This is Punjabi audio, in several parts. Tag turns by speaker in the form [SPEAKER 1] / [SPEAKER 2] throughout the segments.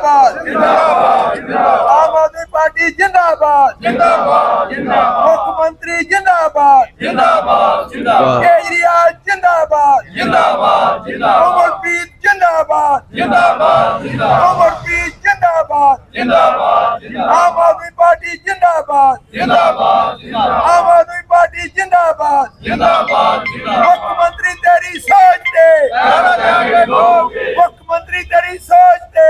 [SPEAKER 1] जिंदाबाद आम आदमी पार्टी जिंदाबाद मुख्यमंत्री जिंदाबाद केजरीवाल जिंदाबाद उमरप्रीत जिंदाबाद उमरप्रीत जिंदाबाद आम आदमी पार्टी जिंदाबाद आम आदमी पार्टी जिंदाबाद मुख्यमंत्री तेरी सोच दे मुख्यमंत्री तेरी सोच दे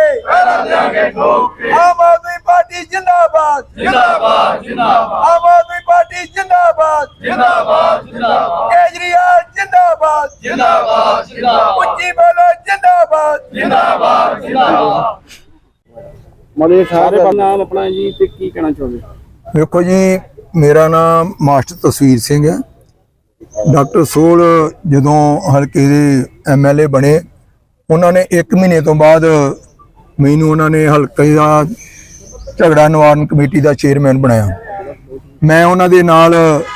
[SPEAKER 1] आम आदमी पार्टी जिंदाबाद आम आदमी पार्टी जिंदाबाद केजरीवाल जिंदाबाद उच्ची बोलो जिंदाबाद
[SPEAKER 2] ਮਤਲਬ ਸਾਰੇ ਨਾਮ ਆਪਣਾ ਜੀ ਤੇ ਕੀ ਕਹਿਣਾ ਚਾਹੁੰਦੇ?
[SPEAKER 3] ਵੇਖੋ ਜੀ, ਮੇਰਾ ਨਾਮ ਮਾਸਟਰ ਤਸਵੀਰ ਸਿੰਘ ਹੈ। ਡਾਕਟਰ ਸੋਲ ਜਦੋਂ ਹਲਕੇ ਦੇ MLA ਬਣੇ, ਉਹਨਾਂ ਨੇ 1 ਮਹੀਨੇ ਤੋਂ ਬਾਅਦ ਮੈਨੂੰ ਉਹਨਾਂ ਨੇ ਹਲਕੇ ਦਾ ਝਗੜਾ ਨਿਵਾਰਨ ਕਮੇਟੀ ਦਾ ਚੇਅਰਮੈਨ ਬਣਾਇਆ। ਮੈਂ ਉਹਨਾਂ ਦੇ ਨਾਲ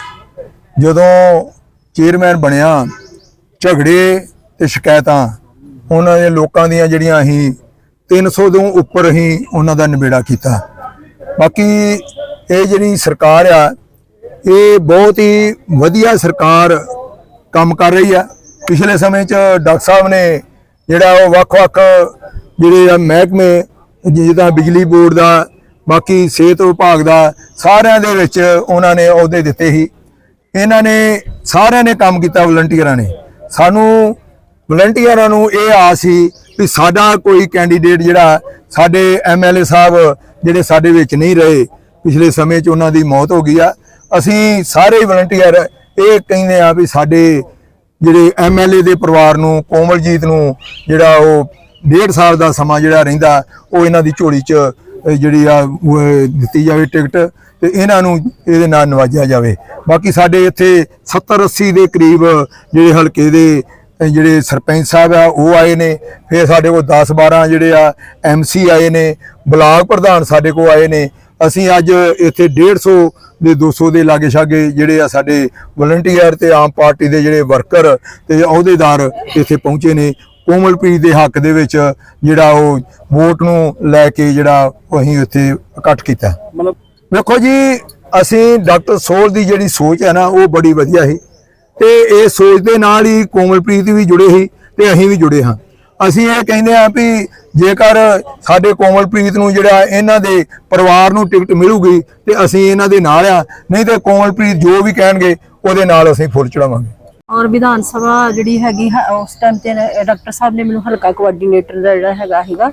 [SPEAKER 3] ਜਦੋਂ ਚੇਅਰਮੈਨ ਬਣਿਆ, ਝਗੜੇ ਤੇ ਸ਼ਿਕਾਇਤਾਂ ਉਹਨਾਂ ਦੇ ਲੋਕਾਂ ਦੀਆਂ ਜਿਹੜੀਆਂ ਅਸੀਂ 300 ਤੋਂ ਉੱਪਰ ਅਸੀਂ ਉਹਨਾਂ ਦਾ ਨਿਬੇੜਾ ਕੀਤਾ। ਬਾਕੀ ਇਹ ਜਿਹੜੀ ਸਰਕਾਰ ਆ, ਇਹ ਬਹੁਤ ਹੀ ਵਧੀਆ ਸਰਕਾਰ ਕੰਮ ਕਰ ਰਹੀ ਆ। ਪਿਛਲੇ ਸਮੇਂ 'ਚ ਡਾਕਟਰ ਸਾਹਿਬ ਨੇ ਜਿਹੜਾ ਉਹ ਵੱਖ-ਵੱਖ ਜਿਹੜੇ ਆ ਮਹਿਕਮੇ, ਜਿੱਦਾਂ ਬਿਜਲੀ ਬੋਰਡ ਦਾ, ਬਾਕੀ ਸਿਹਤ ਵਿਭਾਗ ਦਾ, ਸਾਰਿਆਂ ਦੇ ਵਿੱਚ ਉਹਨਾਂ ਨੇ ਅਹੁਦੇ ਦਿੱਤੇ ਸੀ। ਇਹਨਾਂ ਨੇ ਸਾਰਿਆਂ ਨੇ ਕੰਮ ਕੀਤਾ। ਵਲੰਟੀਅਰਾਂ ਨੇ, ਸਾਨੂੰ ਵਲੰਟੀਅਰਾਂ ਨੂੰ ਇਹ ਆਸ ਸੀ ਵੀ ਸਾਡਾ ਕੋਈ ਕੈਂਡੀਡੇਟ ਜਿਹੜਾ, ਸਾਡੇ MLA ਸਾਹਿਬ ਜਿਹੜੇ ਸਾਡੇ ਵਿੱਚ ਨਹੀਂ ਰਹੇ, ਪਿਛਲੇ ਸਮੇਂ 'ਚ ਉਹਨਾਂ ਦੀ ਮੌਤ ਹੋ ਗਈ ਆ। ਅਸੀਂ ਸਾਰੇ ਵਲੰਟੀਅਰ ਇਹ ਕਹਿੰਦੇ ਆ ਵੀ ਸਾਡੇ ਜਿਹੜੇ MLA ਦੇ ਪਰਿਵਾਰ ਨੂੰ, ਕੋਮਲਜੀਤ ਨੂੰ ਜਿਹੜਾ ਉਹ 1.5 ਸਾਲ ਦਾ ਸਮਾਂ ਜਿਹੜਾ ਰਹਿੰਦਾ, ਉਹ ਇਹਨਾਂ ਦੀ ਝੋਲੀ 'ਚ ਜਿਹੜੀ ਆ ਦਿੱਤੀ ਜਾਵੇ ਟਿਕਟ, ਤੇ ਇਹਨਾਂ ਨੂੰ ਇਹਦੇ ਨਾਲ ਨਵਾਜਿਆ ਜਾਵੇ। ਬਾਕੀ ਸਾਡੇ ਇੱਥੇ 70-80 ਦੇ ਕਰੀਬ ਜਿਹੜੇ ਹਲਕੇ ਦੇ ਜਿਹੜੇ ਸਰਪੰਚ ਸਾਹਿਬ ਆ ਉਹ ਆਏ ਨੇ। ਫਿਰ ਸਾਡੇ ਕੋਲ 10-12 ਜਿਹੜੇ ਆ MC ਆਏ ਨੇ, ਬਲਾਕ ਪ੍ਰਧਾਨ ਸਾਡੇ ਕੋਲ ਆਏ ਨੇ। ਅਸੀਂ ਅੱਜ ਇੱਥੇ 150 ਦੇ 200 ਦੇ ਲਾਗੇ ਛਾਗੇ ਜਿਹੜੇ ਆ ਸਾਡੇ ਵਲੰਟੀਅਰ ਤੇ ਆਮ ਪਾਰਟੀ ਦੇ ਜਿਹੜੇ ਵਰਕਰ ਤੇ ਅਹੁਦੇਦਾਰ ਇੱਥੇ ਪਹੁੰਚੇ ਨੇ। ਕੋਮਲਪ੍ਰੀਤ ਦੇ ਹੱਕ ਦੇ ਵਿੱਚ ਜਿਹੜਾ ਉਹ ਵੋਟ ਨੂੰ ਲੈ ਕੇ ਜਿਹੜਾ ਅਸੀਂ ਇੱਥੇ ਇਕੱਠ ਕੀਤਾ।
[SPEAKER 2] ਮਤਲਬ
[SPEAKER 3] ਵੇਖੋ ਜੀ, ਅਸੀਂ ਡਾਕਟਰ ਸੋਲ ਦੀ ਜਿਹੜੀ ਸੋਚ ਹੈ ਨਾ, ਉਹ ਬੜੀ ਵਧੀਆ ਸੀ, ਤੇ ਇਹ ਸੋਚ ਦੇ ਨਾਲ ਹੀ ਕੋਮਲਪ੍ਰੀਤ ਵੀ ਜੁੜੇ ਸੀ ਤੇ ਅਸੀਂ ਵੀ ਜੁੜੇ ਹਾਂ। ਅਸੀਂ ਇਹ ਕਹਿੰਦੇ ਹਾਂ ਵੀ ਜੇਕਰ ਸਾਡੇ ਕੋਮਲਪ੍ਰੀਤ ਨੂੰ ਜਿਹੜਾ ਇਹਨਾਂ ਦੇ ਪਰਿਵਾਰ ਨੂੰ ਟਿਕਟ ਮਿਲੂਗੀ ਤੇ ਅਸੀਂ ਇਹਨਾਂ ਦੇ ਨਾਲ ਆ, ਨਹੀਂ ਤੇ ਕੋਮਲਪ੍ਰੀਤ ਜੋ ਵੀ ਕਹਿਣਗੇ ਉਹਦੇ ਨਾਲ ਅਸੀਂ ਫੁੱਲ ਚੜਾਵਾਂਗੇ।
[SPEAKER 4] ਔਰ ਵਿਧਾਨ ਸਭਾ ਜਿਹੜੀ ਹੈਗੀ ਉਸ ਟਾਈਮ ਤੇ ਡਾਕਟਰ ਸਾਹਿਬ ਨੇ ਮੈਨੂੰ ਹਲਕਾ ਕੋਆਰਡੀਨੇਟਰ ਦਾ ਜਿਹੜਾ ਹੈਗਾ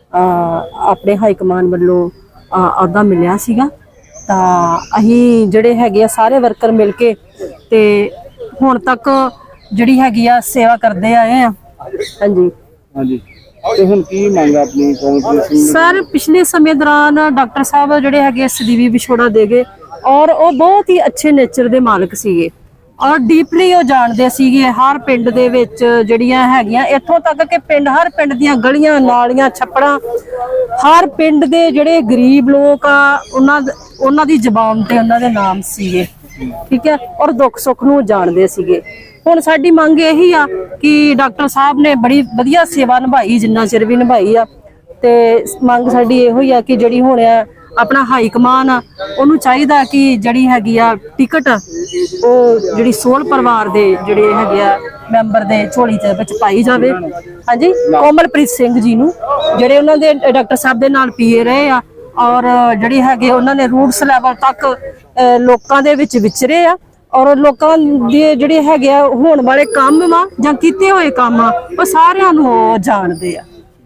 [SPEAKER 4] ਆਪਣੇ ਹਾਈ ਕਮਾਨ ਵੱਲੋਂ ਅਹੁਦਾ ਮਿਲਿਆ ਸੀਗਾ। ਤਾਂ ਅਸੀਂ ਜਿਹੜੇ ਹੈਗੇ ਆ ਸਾਰੇ ਵਰਕਰ ਮਿਲ ਕੇ ਤੇ ਹੁਣ ਤੱਕ ਜਿਹੜੀ ਹੈਗੀ ਆ ਸੇਵਾ ਕਰਦੇ ਆਏ ਆ। ਹਾਂਜੀ
[SPEAKER 2] ਹਾਂਜੀ, ਤੇ ਹੁਣ ਕੀ ਮੰਗ ਆਪਣੀ ਕੋਮਲਪ੍ਰੀਤ ਸਿੰਘ?
[SPEAKER 4] ਸਰ, ਪਿਛਲੇ ਸਮੇਂ ਦੌਰਾਨ ਡਾਕਟਰ ਸਾਹਿਬ ਜਿਹੜੇ ਹੈਗੇ ਸਦੀਵੀ ਵਿਛੋੜਾ ਦੇ ਗਏ, ਔਰ ਉਹ ਬਹੁਤ ਹੀ ਅੱਛੇ ਨੇਚਰ ਦੇ ਮਾਲਕ ਸੀਗੇ, ਔਰ ਡੀਪਲੀ ਉਹ ਜਾਣਦੇ ਸੀਗੇ ਹਰ ਪਿੰਡ ਦੇ ਵਿੱਚ ਜਿਹੜੀਆਂ ਹੈਗੀਆਂ, ਇੱਥੋਂ ਤੱਕ ਕਿ ਪਿੰਡ, ਹਰ ਪਿੰਡ ਦੀਆਂ ਗਲੀਆਂ, ਨਾਲੀਆਂ, ਛੱਪੜਾਂ, ਹਰ ਪਿੰਡ ਦੇ ਜਿਹੜੇ ਗਰੀਬ ਲੋਕ ਆ ਉਹਨਾਂ ਦੀ ਜ਼ਬਾਨ ਤੇ ਉਹਨਾਂ ਦੇ ਨਾਮ ਸੀਗੇ। ਠੀਕ ਹੈ, ਔਰ ਦੁੱਖ ਸੁੱਖ ਨੂੰ ਜਾਣਦੇ ਸੀਗੇ। ਹੁਣ ਸਾਡੀ ਮੰਗ ਇਹੀ ਆ ਕਿ ਡਾਕਟਰ ਸਾਹਿਬ ਨੇ ਬੜੀ ਵਧੀਆ ਸੇਵਾ ਨਿਭਾਈ, ਜਿੰਨਾ ਚਿਰ ਵੀ ਨਿਭਾਈ ਆ, ਤੇ ਮੰਗ ਸਾਡੀ ਇਹੋ ਹੀ ਆ ਕਿ ਜਿਹੜੀ ਹੁਣ ਆਪਣਾ ਹਾਈ ਕਮਾਨ ਆ, ਉਹਨੂੰ ਚਾਹੀਦਾ ਕਿ ਜਿਹੜੀ ਹੈਗੀ ਆ ਟਿਕਟ ਉਹ ਜਿਹੜੀ ਸੋਲ ਪਰਿਵਾਰ ਦੇ ਜਿਹੜੇ ਹੈਗੇ ਆ ਮੈਂਬਰ ਦੇ ਝੋਲੀ ਦੇ ਵਿੱਚ ਪਾਈ ਜਾਵੇ। ਹਾਂਜੀ, ਕੋਮਲਪ੍ਰੀਤ ਸਿੰਘ ਜੀ ਨੂੰ, ਜਿਹੜੇ ਉਹਨਾਂ ਦੇ ਡਾਕਟਰ ਸਾਹਿਬ ਦੇ ਨਾਲ PA ਰਹੇ ਆ, ਔਰ ਜਿਹੜੀ ਹੈਗੇ ਉਹਨਾਂ ਨੇ ਰੂਟਸ ਲੈਵਲ ਤੱਕ ਲੋਕਾਂ ਦੇ ਵਿੱਚ ਵਿਚਰੇ ਆ, ਔਰ ਲੋਕਾਂ ਦੇ ਜਿਹੜੇ ਹੈਗੇ ਆ ਹੋਣ ਵਾਲੇ ਕੰਮ ਆ ਜਾਂ ਕੀਤੇ ਹੋਏ ਕੰਮ ਆ, ਉਹ ਸਾਰਿਆਂ ਨੂੰ ਉਹ ਜਾਣਦੇ ਆ।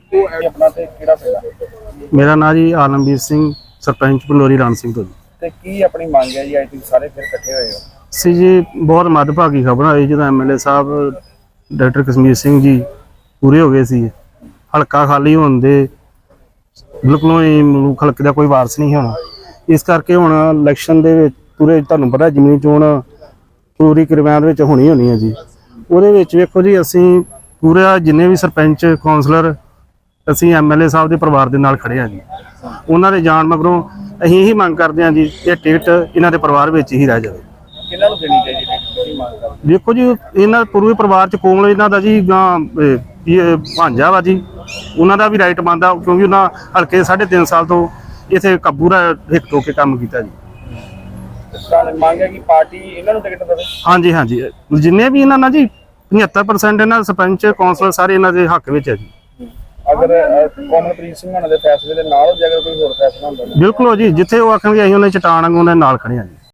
[SPEAKER 2] ਮੇਰਾ ਨਾਂ ਜੀ ਆਲਮਵੀਰ ਸਿੰਘ, ਸਰਪੰਚ ਪੰਡੋਰੀ ਰਾਮ ਸਿੰਘ ਤੋਂ।
[SPEAKER 5] ਤੇ ਕੀ ਆਪਣੀ ਮੰਗ ਹੈ ਜੀ? ਅੱਜ ਤੁਸੀਂ ਸਾਰੇ ਫਿਰ ਇਕੱਠੇ ਹੋਏ ਹੋ।
[SPEAKER 2] ਸੀ ਜੀ, ਬਹੁਤ ਮੱਦਭਾਗੀ ਖਬਰ ਆਈ ਜਦੋਂ MLA ਸਾਹਿਬ ਡਾਕਟਰ ਕਸ਼ਮੀਰ ਸਿੰਘ ਜੀ ਪੂਰੇ ਹੋ ਗਏ ਸੀ। ਹਲਕਾ ਖਾਲੀ ਹੋਣ ਦੇ ਬਿਲਕੁਲ ਹੀ ਮਲੂਕ ਹਲਕੇ ਦਾ ਕੋਈ ਵਾਰਸ ਨਹੀਂ ਹੋਣਾ। ਇਸ ਕਰਕੇ ਹੁਣ ਇਲੈਕਸ਼ਨ ਦੇ ਵਿੱਚ ਪੂਰੇ, ਤੁਹਾਨੂੰ ਪਤਾ ਜ਼ਮੀਨੀ ਚੋਣ ਪੂਰੀ ਕਿਰਵਾਨ ਵਿੱਚ ਹੋਣੀ ਹੈ ਜੀ। ਉਹਦੇ ਵਿੱਚ ਵੇਖੋ ਜੀ, ਅਸੀਂ ਪੂਰਾ ਜਿੰਨੇ ਵੀ ਸਰਪੰਚ, ਕੌਂਸਲਰ, ਅਸੀਂ MLA ਸਾਹਿਬ ਦੇ ਪਰਿਵਾਰ ਦੇ ਨਾਲ ਖੜੇ ਹਾਂ ਜੀ। ਉਹਨਾਂ ਦੇ ਜਾਣ ਮਗਰੋਂ ਅਸੀਂ ਇਹੀ ਮੰਗ ਕਰਦੇ ਹਾਂ ਜੀ, ਇਹ ਟਿਕਟ ਇਹਨਾਂ ਦੇ ਪਰਿਵਾਰ ਵਿੱਚ ਹੀ ਰਹਿ ਜਾਵੇ।
[SPEAKER 5] ਕਿਹਨਾਂ ਨੂੰ ਦੇਣੀ ਚਾਹੀਦੀ
[SPEAKER 2] ਦੇਖੋ ਜੀ, ਇਹਨਾਂ ਪੂਰੇ ਪਰਿਵਾਰ ਚ ਕੋਮਲ ਇਹਨਾਂ ਦਾ ਜੀ ਭਾਂਜਾ ਵਾ ਜੀ, ਉਹਨਾਂ ਦਾ ਵੀ ਰਾਈਟ ਬਣਦਾ, ਕਿਉਂਕਿ ਉਹਨਾਂ ਹਲਕੇ 3.5 ਸਾਲ ਤੋਂ ਇੱਥੇ ਪੂਰਾ ਹਿੱਕ ਟੋ ਕੇ ਕੰਮ ਕੀਤਾ ਜੀ।
[SPEAKER 5] ਤਾਂ ਮੰਗ ਹੈ ਕਿ ਪਾਰਟੀ ਇਹਨਾਂ ਨੂੰ ਟਿਕਟ ਦੇਵੇ।
[SPEAKER 2] ਹਾਂਜੀ ਹਾਂਜੀ, ਜਿੰਨੇ ਵੀ ਇਹਨਾਂ ਨਾਲ ਜੀ 75% ਇਹਨਾਂ ਸਰਪੰਚ ਕੌਂਸਲਰ ਸਾਰੇ ਇਹਨਾਂ ਦੇ ਹੱਕ ਵਿੱਚ ਹੈ ਜੀ।
[SPEAKER 5] ਅਗਰ ਕੋਮਲਪ੍ਰੀਤ ਸਿੰਘ ਉਹਨਾਂ ਦੇ ਫੈਸਲੇ ਦੇ ਨਾਲ ਜੇ ਅਗਰ ਕੋਈ ਹੋਰ ਫੈਸਲਾ ਹੁੰਦਾ
[SPEAKER 2] ਬਿਲਕੁਲ ਜੀ, ਜਿੱਥੇ ਉਹ ਆਖਣਗੇ ਅਸੀਂ ਉਹਨੇ ਚਟਾਨ ਵਾਂਗੂ ਉਹਨਾਂ ਦੇ ਨਾਲ ਖੜੇ ਹਾਂ ਜੀ।